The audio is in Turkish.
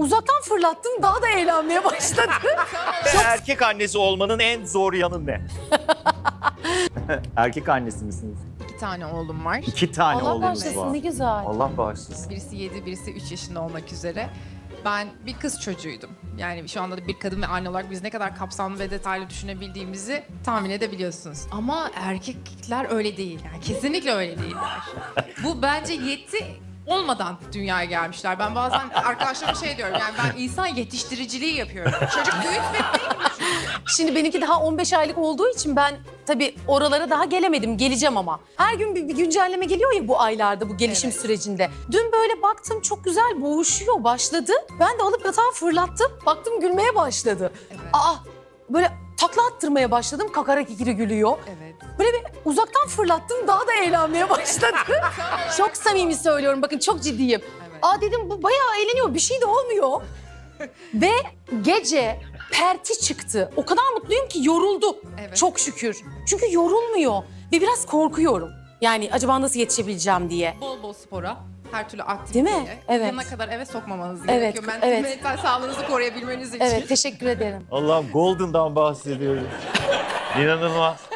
uzaktan fırlattım, daha da eğlenmeye başladı. Erkek annesi olmanın en zor yanı ne? Erkek annesi misiniz? 2 tane oğlum var. 2 tane Allah oğlunuz bağışlasın, var. ne güzel. Allah bağışlasın. Birisi 7, birisi 3 yaşında olmak üzere. Ben bir kız çocuğuydum. Yani şu anda da bir kadın ve anne olarak biz ne kadar kapsamlı ve detaylı düşünebildiğimizi tahmin edebiliyorsunuz. Ama erkekler öyle değil. Yani kesinlikle öyle değiller. Bu bence yetti olmadan dünyaya gelmişler. Ben bazen arkadaşlarıma şey diyorum, yani ben insan yetiştiriciliği yapıyorum. Çocuk büyütmek değil mi? Şimdi benimki daha 15 aylık olduğu için ben tabii oralara daha gelemedim. Geleceğim ama. Her gün bir güncelleme geliyor ya bu aylarda, bu gelişim Evet. sürecinde. Dün böyle baktım, çok güzel boğuşuyor, başladı. Ben de alıp yatağa fırlattım. Baktım gülmeye başladı. Evet. Böyle takla attırmaya başladım. Kakara kikiri gülüyor. Evet. Böyle bir uzaktan fırlattım, daha da eğlenmeye başladı. Çok samimi söylüyorum, bakın çok ciddiyim. Evet. Dedim bu bayağı eğleniyor, bir şey de olmuyor. Ve gece perti çıktı. O kadar mutluyum ki yoruldu. Evet. Çok şükür. Çünkü yorulmuyor ve biraz korkuyorum. Yani acaba nasıl yetişebileceğim diye. Bol bol spora, her türlü aktiviteye, Değil mi? Evet. yanına kadar eve sokmamanız Evet, gerekiyor. evet. Mental sağlığınızı koruyabilmeniz için. Evet, teşekkür ederim. Allah'ım Golden'dan bahsediyoruz. İnanılmaz.